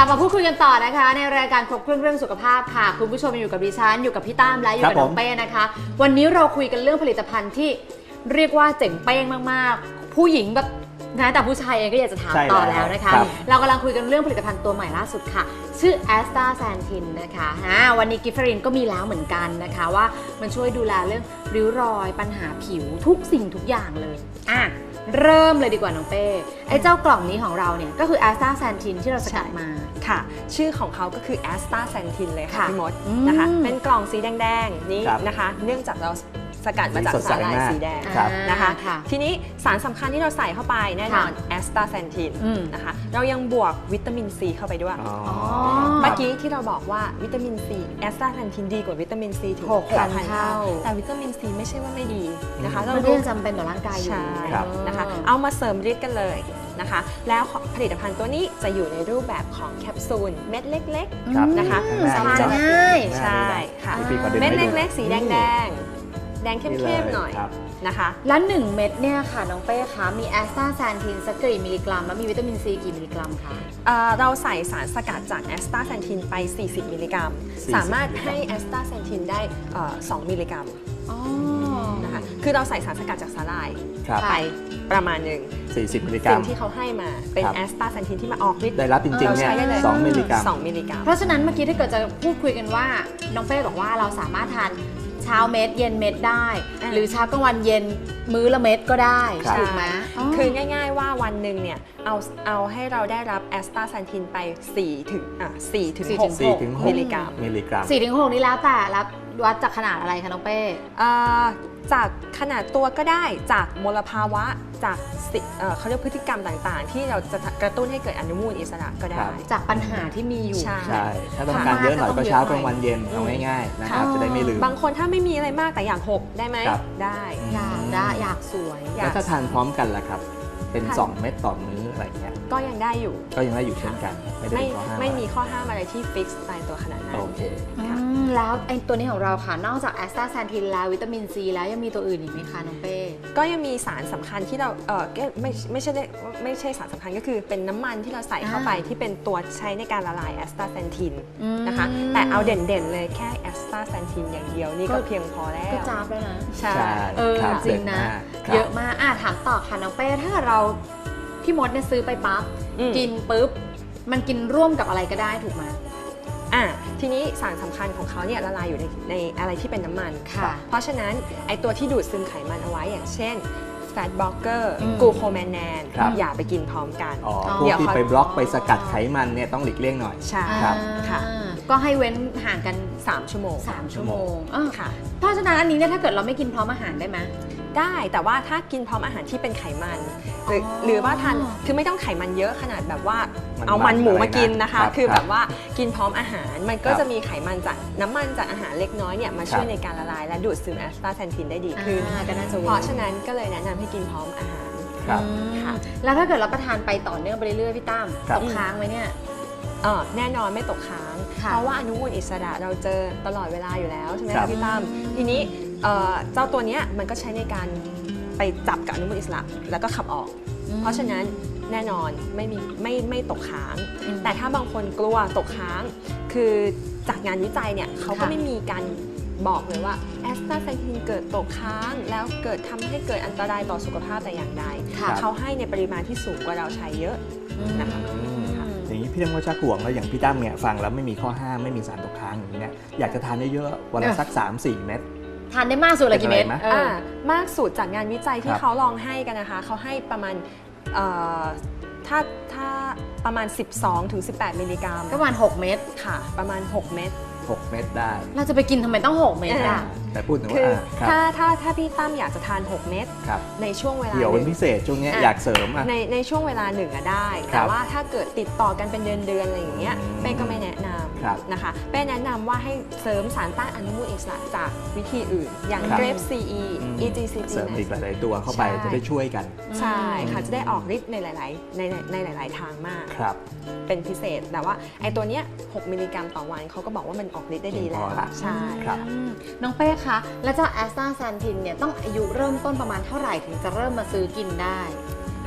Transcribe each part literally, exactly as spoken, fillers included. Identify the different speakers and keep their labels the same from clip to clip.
Speaker 1: ลับมาพูดคุยกันต่อนะคะในรายการครบเครื่องเรื่องสุขภาพค่ะคุณผู้ชมอยู่กับดิฉันอยู่กับพี่ตั้มและอยู่กับน้องเป้นะคะวันนี้เราคุยกันเรื่องผลิตภัณฑ์ที่เรียกว่าเจ๋งเป้งมากๆผู้หญิงแบบนะแต่ผู้ชายเองก็อยากจะถามต่อแล้วนะคะเรากำลังคุยกันเรื่องผลิตภัณฑ์ตัวใหม่ล่าสุดค่ะชื่อแอสตาแซนทินนะคะวันนี้กิฟฟรินก็มีแล้วเหมือนกันนะคะว่ามันช่วยดูแลเรื่องริ้วรอยปัญหาผิวทุกสิ่งทุกอย่างเลยอ่ะเริ่มเลยดีกว่าน้องเป้ไอ้เจ้ากล่องนี้ของเราเนี่ยก็คือแอสตาแซนทินที่เราสกัดมา
Speaker 2: ค่ะชื่อของเขาก็คือแอสตาแซนทินเลยค่ะพี่มดนะคะเป็นกล่องสีแดงๆนี้นะคะเนื่องจากเราสกัดมาจากสาหร่ายสีแดงนะคะทีนี้สารสำคัญที่เราใส่เข้าไปแน่นอนแอสตาแซนทินนะคะเรายังบวกวิตามินซีเข้าไปด้วยเมื่อกี้ที่เราบอกว่าวิตามินซีแอสตาแซนทินดีกว่าวิตามินซีถึงหกพันเท่าแต่วิตามินซีไม่ใช่ว่าไม่ดีนะคะ
Speaker 1: มันก็ยังจำเป็นต่อร่างกายอยู่
Speaker 2: นะคะเอามาเสริมฤทธิ์กันเลยนะคะแล้วผลิตภัณฑ์ตัวนี้จะอยู่ในรูปแบบของแคปซูลเม็ดเล็กๆนะคะ
Speaker 1: สบายง่าย
Speaker 2: ใช่ค่ะเม็ดเล็กๆสีแดงๆแดงเข้มๆหน่อยนะคะ
Speaker 1: แล้วหนึ่งเม็ดเนี่ยค่ะน้องเป้คะมีแอสตาแซนทินสักกี่มิลลิกรัมแล้วมีวิตามินซีกี่มิลลิกรัมคะ
Speaker 2: เราใส่สารสกัดจากแอสตาแซนทินไปสี่สิบมิลลิกรัมสามารถให้แอสตาแซนทินได้สองมิลลิกรัมนะคะคือเราใส่สารสกัดจากสาหร่ายไปประมาณหนึ่ง
Speaker 3: สี่สิบมิลลิกรัม
Speaker 2: สิ่งที่เขาให้มาเป็นแอสตาแซนทินที่มาออกฤทธิ์
Speaker 3: ได้รับจริงๆเนี่ยสองมิลลิกรัม
Speaker 2: สองมิลลิกรัม
Speaker 1: เพราะฉะนั้นเมื่อกี้ถ้าเกิดจะพูดคุยกันว่าน้องเป้บอกว่าเราสามารถทานเช้าเม็ดเย็นเม็ดได้หรือเช้ากลางวันเย็นมื้อละเม็ดก็ได้ถูกไหม
Speaker 2: คือง่ายๆว่าวันหนึ่งเนี่ยเอาเอาให้เราได้รับแอสตาแซนทินไปสี่ถึงอ่ะสี่ถึงหกมิลลิกรัม
Speaker 3: มิลลิกรัม
Speaker 1: สี่ถึงหกนี่แล้วแต่รับวัดจากขนาดอะไรคะน้องเป้
Speaker 2: จากขนาดตัวก็ได้จากมลภาวะจากเขาเรียกพฤติกรรมต่างๆที่เราจะกระตุ้นให้เกิดอนุมูลอิสระก็ได้
Speaker 1: จากปัญหาที่มีอยู่
Speaker 3: ใช่ถ้าต้องการเยอะหน่อยก็เช้ากลางวันเย็นเอาง่ายๆนะครับจะได้ไม่ลืม
Speaker 2: บางคนถ้าไม่มีอะไรมากแต่อยากหกได้ไหมได้
Speaker 1: อยากได้อยากสวย
Speaker 3: แล้วถ้าทานพร้อมกันล่ะครับเป็นสองเม็ดต่อมื้ออะไรเงี้ย
Speaker 2: ก็ยังได้อยู่
Speaker 3: ก็ยังได้อยู่เช่นกัน
Speaker 2: ไม่ได้ข้อห้ามไม่มีข้อห้ามอะไรที่ฟิกซ์ตายตัวขนาดนั้น
Speaker 3: โอเค
Speaker 1: แล้วไอ้ตัวนี้ของเราค่ะนอกจากแอสตาแซนทินแล้ววิตามินซีแล้วยังมีตัวอื่นอีกไหมคะน้องเป้
Speaker 2: ก็ยังมีสารสำคัญที่เราเออไม่ไม่ใช่ไม่ใช่สารสำคัญก็คือเป็นน้ำมันที่เราใส่เข้าไปที่เป็นตัวใช้ในการละลายแอสตาแซนทินนะคะแต่เอาเด่นๆเลยแค่แอสตาแซนทินอย่างเดียวนี่ก็เพียงพอแล้ว
Speaker 1: ก็จ้าบแล้วนะ
Speaker 2: ใช่
Speaker 1: เออจริงนะเยอะมากอ่ะถามต่อค่ะน้องเป้ถ้าเราพี่มดเนี่ยซื้อไปปั๊บกินปุ๊บมันกินร่วมกับอะไรก็ได้ถูกไหม
Speaker 2: อ่ะทีนี้สารสำคัญของเขาเนี่ยละลายอยู่ในในอะไรที่เป็นน้ำมันค่ะเพราะฉะนั้นไอตัวที่ดูดซึมไขมันเอาไว้อย่างเช่นแฟตบล็อกเกอร์กูโคแมนแนนอย่าไปกินพร้อมกัน
Speaker 3: อ๋อพวกที่ไปบล็อกไปสกัดไขมันเนี่ยต้องหลีกเลี่ยงหน่อย
Speaker 2: ใช่ครับค่ะ
Speaker 1: ก็ให้เว้นห่างกัน
Speaker 2: สามชั่วโมง
Speaker 1: สามชั่วโมงค่ะเพราะฉะนั้นอันนี้เนี่ยถ้าเกิดเราไม่กินพร้อมอาหารได้ไหม
Speaker 2: ได้แต่ว่าถ้ากินพร้อมอาหารที่เป็นไขมันหรือหรือว่าทานคือไม่ต้องไขมันเยอะขนาดแบบว่าเอามันหมูมากินนะคะคือแบบว่ากินพร้อมอาหารมันก็จะมีไขมันจากน้ำมันจากอาหารเล็กน้อยเนี่ยมาช่วยในการละลายและดูดซึมแอสตาแซนทินได้ดีขึ้นเพราะฉะนั้นก็เลยแนะนำให้กินพร้อมอาหาร
Speaker 1: ค่ะแล้วถ้าเกิดรับประทานไปต่อเนื่องไปเรื่อยๆพี่ตั้มตกค้างไหมเนี่ย
Speaker 2: แน่นอนไม่ตกค้างเพราะว่าอนุมูลอิสระเราเจอตลอดเวลาอยู่แล้วใช่ไหมคะพี่ตั้มทีนี้เจ้าตัวนี้มันก็ใช้ในการไปจับกับอนุมูลอิสระแล้วก็ขับออกเพราะฉะนั้นแน่นอนไม่มีไม่ไม่ตกค้างแต่ถ้าบางคนกลัวตกค้างคือจากงานวิจัยเนี่ยเขาก็ไม่มีการบอกเลยว่าแอสตาแซนทินเกิดตกค้างแล้วเกิดทำให้เกิดอันตรายต่อสุขภาพแต่อย่างใดเขาให้ในปริมาณที่สูงกว่าเราใช้เยอะนะคะ
Speaker 3: อย่างนี้พี่ตั้มก็ชักห่วงแล้วอย่างพี่ตั้มเนี่ยฟังแล้วไม่มีข้อห้ามไม่มีสารตกค้างอย่างนี้เนี่ยอยากจะทานได้เยอะวันละสัก สามสี่ เม็ด
Speaker 1: ทานได้มากสุดเลยกี่เม็ด
Speaker 2: มากสุดจากงานวิจัยที่เขาลองให้กันนะคะเขาให้ประมาณถ้าถ้าประมาณ สิบสองถึงสิบแปด มิลลิกรัม
Speaker 1: ประมาณหกเม็ด
Speaker 2: ค่ะประมาณหกเม็ด
Speaker 3: หกเม็ดได้
Speaker 1: เราจะไปกินทำไมต้องหกเม็ดอ่ะ
Speaker 3: แต่พูดถึง
Speaker 2: ว่าถ้าถ้าถ้าพี่ตั้มอยากจะทานหกเม็ดในช่วงเวลา
Speaker 3: เดี๋ยวเป็นพิเศษช่วงนี้อยากเสริม
Speaker 2: ในในช่วงเวลาหนึ่งอะได้แต่ว่าถ้าเกิดติดต่อกันเป็นเดือนเดือนอะไรอย่างเงี้ยเป้ก็ไม่แนะนำนะคะเป้แนะนำว่าให้เสริมสารต้านอนุมูลอิสระจากวิธีอื่นอย่างเกรฟ ซี อี อี จี ซี จี
Speaker 3: เสริมอีกหลายๆตัวเข้าไปจะได้ช่วยกัน
Speaker 2: ใช่ค่ะจะได้ออกฤทธิ์ในหลายๆในในหลายๆทางมากเป็นพิเศษแต่ว่าไอ้ตัวเนี้ยหกมิลลิกรัมต่อวันเขาก็บอกว่ามันออกฤทธิ์ได้ดีแล้วใช่
Speaker 1: น้องเป้คะแล้วเจ้าแอสตาแซนทินเนี่ยต้องอายุเริ่มต้นประมาณเท่าไหร่ถึงจะเริ่มมาซื้อกินได้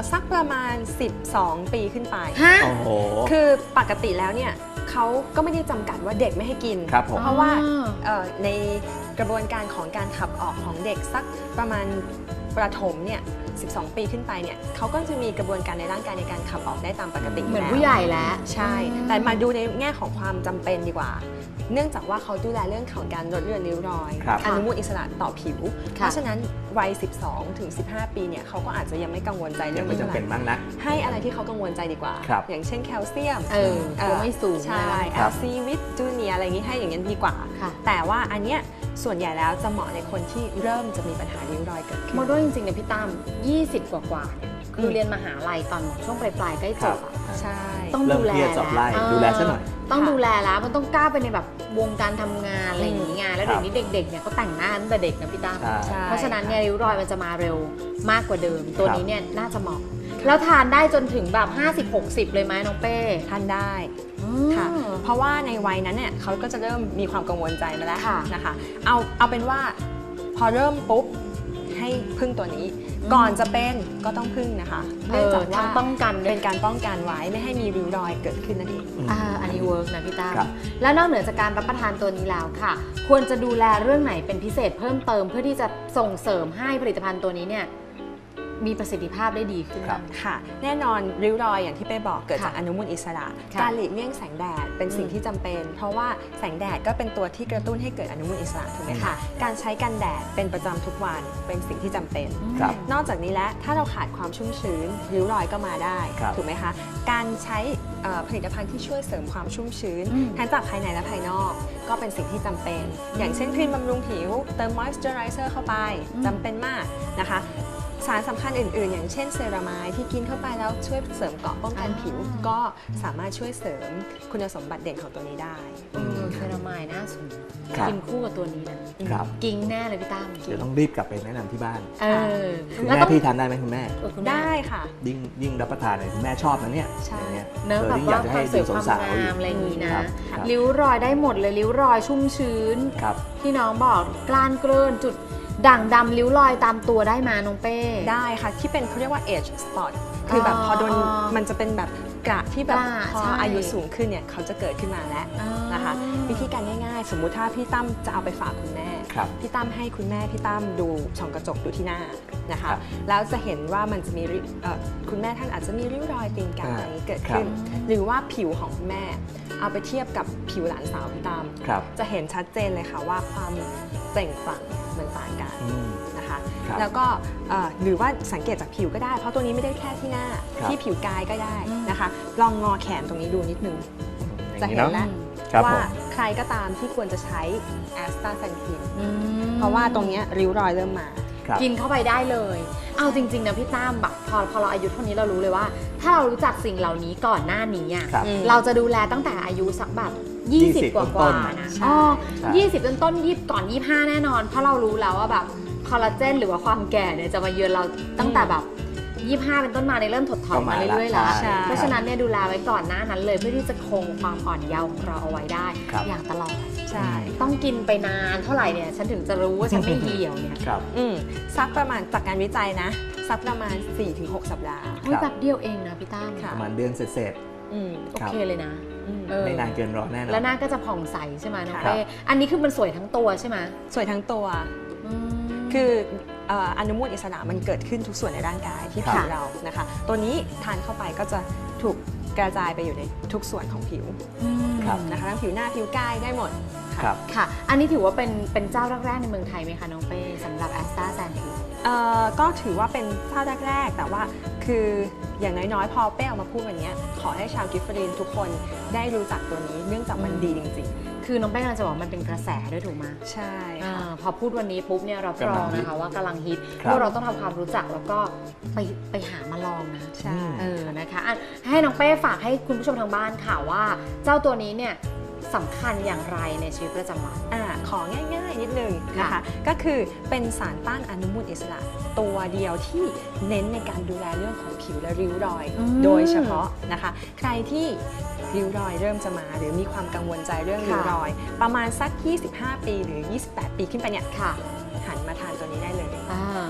Speaker 2: สักประมาณสิบสองปีขึ้นไป
Speaker 1: ฮะ
Speaker 3: โอ้โห
Speaker 2: คือปกติแล้วเนี่ยเขาก็ไม่ได้จำกัดว่าเด็กไม่ให้กิน
Speaker 3: ครับผม
Speaker 2: เพราะว่า
Speaker 1: อ๋อ
Speaker 2: เอ่อในกระบวนการของการขับออกของเด็กสักประมาณประถมเนี่ยสิบสอง ปีขึ้นไปเนี่ยเขาก็จะมีกระบวนการในร่างกายในการขับออกได้ตามปกติ
Speaker 1: เหมือน
Speaker 2: แล้ว
Speaker 1: ผู้ใหญ่แล้ว
Speaker 2: ใช่ แต่มาดูในแง่ของความจำเป็นดีกว่า เนื่องจากว่าเขาดูแลเรื่องของการลดเลือนริ้วรอย
Speaker 3: ครับ
Speaker 2: อนุมูลอิสระต่อผิว
Speaker 1: ค่ะ
Speaker 2: เพราะฉะนั้นวัย สิบสอง ถึง สิบห้า ปีเนี่ยเขาก็อาจจะยังไม่กังวลใจเรื่
Speaker 3: ยั
Speaker 2: อง ง
Speaker 3: ไม่
Speaker 2: นี้
Speaker 3: จำ
Speaker 2: เท่าไห
Speaker 3: เป็น
Speaker 2: ร่
Speaker 3: มากนัก
Speaker 2: ให้อะไรที่เขากังวลใจดีกว่า
Speaker 3: ครับ
Speaker 2: อย่างเช่นแคลเซียม
Speaker 1: เออตัวไม่สูง
Speaker 2: ใช่
Speaker 1: นะ
Speaker 2: แอลซีวิตจูเนียอะไรอย่างนี้ให้อย่างนั้นดีกว่า
Speaker 1: ค่ะ
Speaker 2: แต่ว่าอันเนี้ยส่วนใหญ่แล้วจะเหมาะในคนที่เริ่มจะมีปัญหาริ้วรอยเกิดขึ้น
Speaker 1: โมโดจริงๆเนี่ยพี่ตั้มยี่สิบกว่าๆเนี่ยคือเรียนมหาลัยตอนช่วงปลายๆใกล้จบอะ
Speaker 2: ใช่
Speaker 1: ต้อง
Speaker 3: เริ่ม
Speaker 1: ดูแล
Speaker 3: เครียดสอบไล่
Speaker 1: แล้ว
Speaker 3: ดูแลซะหน่อย
Speaker 1: ต้อง
Speaker 2: ค่ะ
Speaker 1: ดูแลแล้วมันต้องกล้าไปในแบบวงการทำงานอะไรอย่างนี้ไงแล้ว
Speaker 3: ครั
Speaker 1: เดี๋ย
Speaker 3: บ
Speaker 1: วนี้เด็กๆเนี่ยเขาแต่งหน้าตั้งแต่เด็กนะพี่ตั้ม
Speaker 3: ใช่
Speaker 2: ใช่
Speaker 1: เพราะฉะนั้นเนี่ยริ้วรอยมันจะมาเร็วมากกว่าเดิม ตัวนี้เนี่ยน่าจะเหมาะ แล้วทานได้จนถึงแบบ ห้าสิบหกสิบ เลยไหมน้องเป้
Speaker 2: ทานได้
Speaker 1: อืม
Speaker 2: ค่ะ เพราะว่าในวัยนั้นเนี่ยเขาก็จะเริ่มมีความกังวลใจมาแล้ว
Speaker 1: ค่ะ
Speaker 2: นะคะ เอาเอาเป็นว่าพอเริ่มปุ๊บให้พึ่งตัวนี้
Speaker 1: อืม
Speaker 2: ก่อนจะเป็นก็ต้องพึ่งนะคะ
Speaker 1: เอ
Speaker 2: เนื่อง
Speaker 1: อ
Speaker 2: จากว่า
Speaker 1: ทางป้องกันด้ว
Speaker 2: เป็
Speaker 1: ย
Speaker 2: นการป้องกันไว้ไม่ให้มีริ้วรอยเกิดขึ้นนั่นเอง
Speaker 1: อ่าอันนี้เวิร์กนะพี่ตั้ม
Speaker 3: ครับ
Speaker 1: แล้วนอกเหนือจากการรับประทานตัวนี้แล้วค่ะ ควรจะดูแลเรื่องไหนเป็นพิเศษเพิ่มเติมเพื่อที่จะส่งเสริมให้ผลิตภัณฑ์ตัวนี้เนี่ยมีประสิทธิภาพได้ดีขึ้น
Speaker 3: ครับ
Speaker 2: ค่ะแน่นอนริ้วรอยอย่างที่เป้บอกเกิดจาก
Speaker 1: ค่ะ
Speaker 2: อนุมูลอิสระ
Speaker 1: ค่ะ
Speaker 2: การหลีกเลี่ยงแสงแดดเป็นสิ่ง
Speaker 1: อืม
Speaker 2: ที่จำเป็น เพราะว่าแสงแดดก็เป็นตัวที่กระตุ้นให้เกิดอนุมูลอิสระถูกไหม
Speaker 1: ค่ะ
Speaker 2: คะการใช้กันแดดเป็นประจำทุกวันเป็นสิ่งที่จำเป็น
Speaker 3: ครับ
Speaker 2: นอกจากนี้แล้วถ้าเราขาดความชุ่มชื้นริ้วรอยก็มาได้
Speaker 3: ครับ
Speaker 2: ถูกไหมคะการใช้เอ่อผลิตภัณฑ์ที่ช่วยเสริมความชุ่มชื้น
Speaker 1: อืม
Speaker 2: ทั้งจากภายในและภายนอกก็เป็นสิ่งที่จำเป็น อย่างเช่นครีมบำรุงผิวเติมมอยส์เจอไรเซอร์เข้าไป
Speaker 1: อืม
Speaker 2: จำเป็นมากนะคะ สารสำคัญอื่นๆ อย่างเช่นเซรามายที่กินเข้าไปแล้วช่วยเสริมเกราะป้องกันผิว ก็สามารถช่วยเสริมคุณสมบัติเด่นของตัวนี้ได้
Speaker 1: เออเซรามายน่าสน
Speaker 3: ครับ
Speaker 1: กินคู่กับตัวนี้นะครับ กิ้งแน่เลยพี่ตั้ม
Speaker 3: เดี๋ยวต้องรีบกลับไปแนะนำที่บ้าน
Speaker 1: เออ
Speaker 3: คุณ
Speaker 1: แล้ว
Speaker 3: แม่
Speaker 1: ต้อง
Speaker 3: พี่ทานได้ไหมคุณแม่
Speaker 1: เออคุณแม่
Speaker 2: ได้ค่ะ
Speaker 3: ยิ่งยิ่งรับประทานเนี่ยคุณแม่ชอบนะเนี่ย
Speaker 2: ใช่
Speaker 3: อย่างเงี้ย
Speaker 1: เนื้อะ
Speaker 3: ออ
Speaker 1: แบบ
Speaker 3: ยิ่งอยา
Speaker 1: ว่าก
Speaker 3: จะ
Speaker 1: ควา
Speaker 3: ให้
Speaker 1: มส
Speaker 3: ดู
Speaker 1: วยความ
Speaker 3: สาวๆ
Speaker 1: งามอะไรอย่างนี้นะ
Speaker 3: ครับครับ
Speaker 1: ริ้วรอยได้หมดเลยริ้วรอยชุ่มชื้น
Speaker 3: ครับ
Speaker 1: ที่น้องบอกกล้านเกลื่อนจุดด่างดำริ้วรอยตามตัวได้มาน้องเป้
Speaker 2: ได้ค่ะ ที่เป็นเขาเรียกว่า age spot คือแบบพอโดน
Speaker 1: อ๋อ
Speaker 2: มันจะเป็นแบบกระที่แบบ
Speaker 1: กระ
Speaker 2: พอ
Speaker 1: ใช่
Speaker 2: อายุสูงขึ้นเนี่ยเขาจะเกิดขึ้นมาแล้ว
Speaker 1: อ่าน
Speaker 2: นะคะ วิธีการง่ายๆ สมมุติถ้าพี่ตั้มจะเอาไปฝากคุณแม่
Speaker 3: ครับ
Speaker 2: พี่ตั้มให้คุณแม่พี่ตั้มดูช่องกระจกดูที่หน้านะคะ
Speaker 3: ครับ
Speaker 2: แล้วจะเห็นว่ามันจะมีริเอ่อคุณแม่ท่านอาจจะมีริ้วรอยตีนกา
Speaker 3: อ่า
Speaker 2: อะไรเกิดขึ้น
Speaker 1: ครับ
Speaker 2: หรือว่าผิวของคุณแม่ เอาไปเทียบกับผิวหลานสาวพี่ตั้ม
Speaker 3: ครับ
Speaker 2: จะเห็นชัดเจนเลยค่ะว่าความเปล่งปลั่งมันต่างกัน
Speaker 3: อืม
Speaker 2: นะคะ
Speaker 3: ครับ
Speaker 2: แล้วก็เอ่อหรือว่าสังเกตจากผิวก็ได้ เพราะตัวนี้ไม่ได้แค่ที่หน้า
Speaker 3: ครับ
Speaker 2: ที่ผิวกายก็ได้
Speaker 1: อืม
Speaker 2: นะคะ ลองงอแขนตรงนี้ดูนิดนึง
Speaker 3: อย่า
Speaker 2: จะ
Speaker 3: งนี้
Speaker 2: เห็น
Speaker 3: เนาะ
Speaker 2: แล้ว
Speaker 3: ครับ
Speaker 2: ว่า
Speaker 3: ผม
Speaker 2: ใครก็ตามที่ควรจะใช้แอสตาเซนทิน
Speaker 1: อืม
Speaker 2: เพราะว่าตรงเนี้ยริ้วรอยเริ่มมา
Speaker 3: ครับ
Speaker 1: กินเข้าไปได้เลย เอาจริงๆนะพี่ตั้มแบบพอพอเราอายุเท่านี้เรารู้เลยว่า ถ้าเรารู้จักสิ่งเหล่านี้ก่อนหน้านี้อ่ะ
Speaker 3: ครับ
Speaker 2: อืม
Speaker 1: เราจะดูแลตั้งแต่อายุสักแบบ
Speaker 3: ยี่
Speaker 1: ยี่
Speaker 3: สิ
Speaker 1: สิ
Speaker 3: บบ
Speaker 1: กว่า
Speaker 3: ต้
Speaker 1: ก
Speaker 3: น
Speaker 1: ว่า
Speaker 3: ๆ
Speaker 1: นะ
Speaker 2: ใช่
Speaker 1: อ๋อ
Speaker 3: ใช่
Speaker 1: ยี่สิบต้นต้นยี่ก่อนยี่ห้าแน่นอน เพราะเรารู้แล้วว่าแบบคอลลาเจนหรือว่าความแก่เนี่ยจะมาเยือนเราตั้งแต่แบบยี่ห้าเป็นต้นมาในยเริ่มถดถอยมาเรื่อยๆแล้ว
Speaker 3: ใช่
Speaker 1: เพราะฉะนั้นเนี่ยดูแลไว้ก่อนหน้านั้นเลยเพื่อที่จะคงความอ่อนเยาว์ของเราเอาไว้ได้
Speaker 3: ครับ
Speaker 1: อย่างตลอด
Speaker 2: ใช่
Speaker 1: ต้องกินไปนานเท่าไหร่เนี่ยฉันถึงจะรู้ว่าฉันไม่เหี่ยวเนี่ย
Speaker 3: ครับ
Speaker 2: อืมสักประมาณจากการวิจัยนะ สักประมาณ สี่ถึงหก สัปดาห์
Speaker 1: เฮ้ยแบบเดียวเองนะพี่ตั้ม
Speaker 2: ค่ะ
Speaker 3: ประมาณเดือนเสร็จ
Speaker 2: อืม
Speaker 1: โอ
Speaker 3: ครับ
Speaker 1: เคเลยนะ
Speaker 2: อืม
Speaker 1: เออ
Speaker 3: ๆไม่นานเกินรอแน่นอน
Speaker 1: แล้วหน้าก็จะผ่องใสใช่ไหมน้อง
Speaker 3: ครับ
Speaker 1: เป้อันนี้คือมันสวยทั้งตัวใช่ไหม
Speaker 2: สวยทั้งตัว
Speaker 1: อืม
Speaker 2: คือเอ่ออนุมูลอิสระมันเกิดขึ้นทุกส่วนในร่างกายที่
Speaker 3: ครับ
Speaker 2: ผิวเรานะคะ ตัวนี้ทานเข้าไปก็จะถูกกระจายไปอยู่ในทุกส่วนของผิว
Speaker 3: ครับ
Speaker 2: นะคะทั้งผิวหน้าผิวกายได้หมดค่ะ
Speaker 3: ครับ
Speaker 1: ค่ะ อันนี้ถือว่าเป็นเป็นเจ้าแรกๆในเมืองไทยไหมคะน้องเป้สำหรับแอสตาแซนทิ
Speaker 2: เอ่อก็ถือว่าเป็นเจ้าแรกๆ แต่ว่าคืออย่างน้อยๆ พอเป้ออกมาพูดวันนี้ขอให้ชาวกิฟฟรีนทุกคนได้รู้จักตัวนี้เนื่องจากมันดีจริง
Speaker 1: คือน้องเป้กำลังจะบอกมันเป็นกระแสด้วยถูกไหม
Speaker 2: ๆ ใช่
Speaker 1: อ่า
Speaker 2: ค่ะ
Speaker 1: พอพูดวันนี้ปุ๊บเนี่ยเรารองนะคะว่ากำลังฮิต
Speaker 3: ครับ
Speaker 1: พวกเราต้องทำความรู้จักแล้วก็ไปไปหามาลองนะ
Speaker 2: ใช่
Speaker 1: เออนะคะอ่ะให้น้องเป้ฝากให้คุณผู้ชมทางบ้านค่ะว่า เจ้าตัวนี้เนี่ยสำคัญอย่างไรในชีวิตประจำวัน
Speaker 2: อ่าของ่ายๆ นิดนึงนะคะ ก็คือเป็นสารต้านอนุมูลอิสระตัวเดียวที่เน้นในการดูแลเรื่องของผิวและริ้วรอย
Speaker 1: อืม
Speaker 2: โดยเฉพาะนะคะ ใครที่ริ้วรอยเริ่มจะมาหรือมีความกังวลใจเรื่องริ้วรอย ประมาณสัก ยี่สิบห้า ปีหรือ ยี่สิบแปด ปีขึ้นไปเนี่ย
Speaker 1: ค่ะ
Speaker 2: หันมาทานตัวนี้ได้เลย
Speaker 1: อ่า
Speaker 2: นะคะ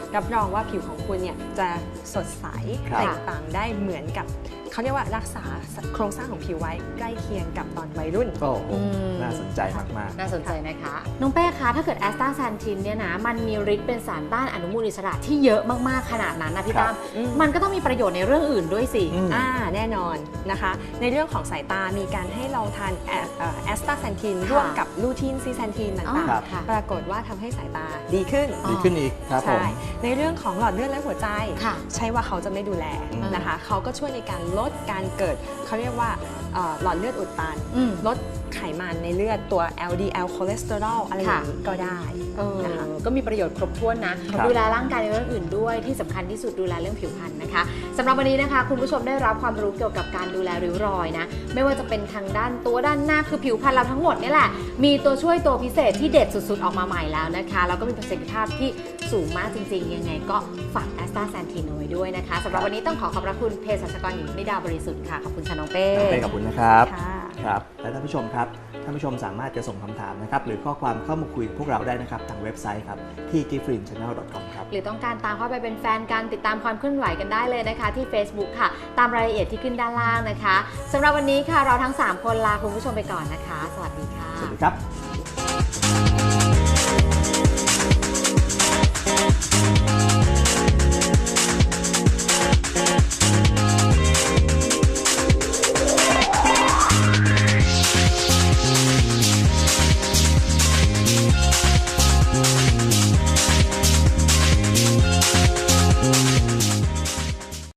Speaker 2: รับรองว่าผิวของคุณเนี่ยจะสดใส
Speaker 3: ครับ
Speaker 2: แตกต่างได้เหมือนกับเขาเรียกว่ารักษาโครงสร้างของผิวไว้ใกล้เคียงกับตอนวัยรุ่น
Speaker 3: โอ้โห
Speaker 1: อืม
Speaker 3: น่าสนใจมาก
Speaker 1: น่าสนใจนะคะ น้องเป้คะถ้าเกิดแอสตาแซนทินเนี่ยนะมันมีฤทธิ์เป็นสารต้านอนุมูลอิสระที่เยอะมากๆขนาดนั้นนะพี่
Speaker 3: ครับ
Speaker 1: ตั้ม
Speaker 2: อืม
Speaker 1: มันก็ต้องมีประโยชน์ในเรื่องอื่นด้วยสิ
Speaker 3: ๆอืม
Speaker 2: อ่าแน่นอนนะคะ ในเรื่องของสายตามีการให้ลองทานแอสตาแซนทิน
Speaker 1: ค่ะ
Speaker 2: ร่วมกับลูทีนซีแซนทิน
Speaker 1: อ๋อ
Speaker 2: ต่าง
Speaker 3: ครับ
Speaker 1: ค่ะ
Speaker 2: ๆ ปรากฏว่าทำให้สายตาดีขึ้น
Speaker 3: ดีขึ้นอีกครับผม
Speaker 2: ใช่ ในเรื่องของหลอดเลือดและหัวใจ
Speaker 1: ค่ะ
Speaker 2: ใช่ว่าเขาจะไม่ดูแล
Speaker 3: อืม
Speaker 2: นะคะ เขาก็ช่วยในการลดการเกิดเขาเรียกว่าเอ่อหลอดเลือดอุดตัน
Speaker 1: อืม
Speaker 2: ลดไขมันในเลือดตัว แอล ดี แอล คอเลสเตอรอลอะไรอย่างนี้ก็ได้
Speaker 1: เออ
Speaker 2: นะคะ
Speaker 1: ก็มีประโยชน์ครบถ้วนนะ
Speaker 3: ครับ
Speaker 1: ดูแลร่างกายในเรื่องอื่นด้วยที่สำคัญที่สุดดูแลเรื่องผิวพรรณนะคะสำหรับวันนี้นะคะ คุณผู้ชมได้รับความรู้เกี่ยวกับการดูแลริ้วรอยนะไม่ว่าจะเป็นทางด้านตัวด้านหน้าคือผิวพรรณเราทั้งหมดนี่แหละมีตัวช่วยตัวพิเศษที่เด็ดสุดๆออกมาใหม่แล้วนะคะแล้วก็มีประสิทธิภาพที่สูงมากจริงๆยังไงก็ฝากแอสตาแซนทินเอาไว้ด้วยนะคะสำหรับวันนี้ต้องขอขอบพระคุณเภสัชกรหญิงนิดาบริสุทธิ์ค่ะขอบคุณค่ะน้องเป้
Speaker 3: น้องเป้ขอบคุณนะครับ
Speaker 2: ค่ะ
Speaker 3: ครับ และท่านผู้ชมครับ ท่านผู้ชมสามารถจะส่งคำถามนะครับ หรือข้อความเข้ามาคุยกับพวกเราได้นะครับ ทางเว็บไซต์ครับ ที่ กิฟต์ฟรีนแชนแนล ดอท คอม ครับ
Speaker 1: หรือต้องการตามเข้าไปเป็นแฟนกันติดตามความเคลื่อนไหวกันได้เลยนะคะ ที่ Facebook ค่ะ ตามรายละเอียดที่ขึ้นด้านล่างนะคะสำหรับวันนี้ค่ะเราทั้งสามคนลาคุณผู้ชมไปก่อนนะคะ สวัสดีค่ะ
Speaker 3: สวัสดีครับ